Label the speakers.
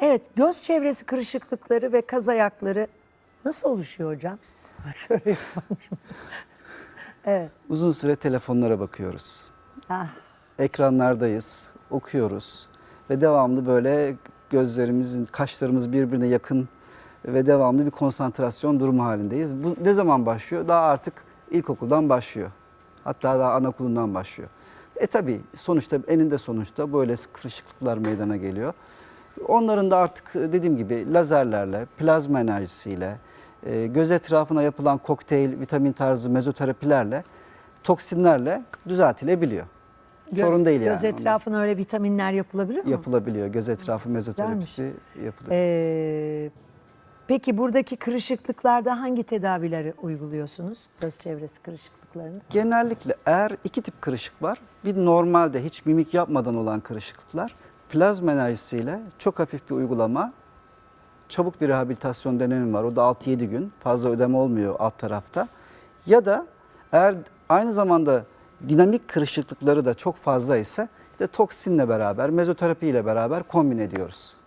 Speaker 1: Evet, göz çevresi kırışıklıkları ve kaz ayakları nasıl oluşuyor hocam? Şöyle yapalım şimdi. Evet.
Speaker 2: Uzun süre telefonlara bakıyoruz.
Speaker 1: Ah,
Speaker 2: Ekranlardayız, okuyoruz ve devamlı böyle gözlerimizin, kaşlarımız birbirine yakın ve devamlı bir konsantrasyon durumu halindeyiz. Bu ne zaman başlıyor? Daha artık ilkokuldan başlıyor. Hatta daha anaokulundan başlıyor. Tabii sonuçta eninde sonuçta böyle kırışıklıklar meydana geliyor. Onların da artık dediğim gibi lazerlerle, plazma enerjisiyle, göz etrafına yapılan kokteyl, vitamin tarzı mezoterapilerle, toksinlerle düzeltilebiliyor. Sorun değil
Speaker 1: göz
Speaker 2: yani.
Speaker 1: etrafına öyle vitaminler yapılabilir mi?
Speaker 2: Yapılabiliyor. Göz etrafı mezoterapisi yapılıyor.
Speaker 1: Peki buradaki kırışıklıklarda hangi tedavileri uyguluyorsunuz? Göz çevresi kırışıklıklarında.
Speaker 2: Genellikle eğer iki tip kırışık var. Bir normalde hiç mimik yapmadan olan kırışıklıklar plazma enerjisiyle çok hafif bir uygulama, çabuk bir rehabilitasyon dönemi var. O da 6-7 gün. Fazla ödeme olmuyor alt tarafta. Ya da eğer aynı zamanda dinamik kırışıklıkları da çok fazla ise işte toksinle beraber, mezoterapi ile beraber kombin ediyoruz.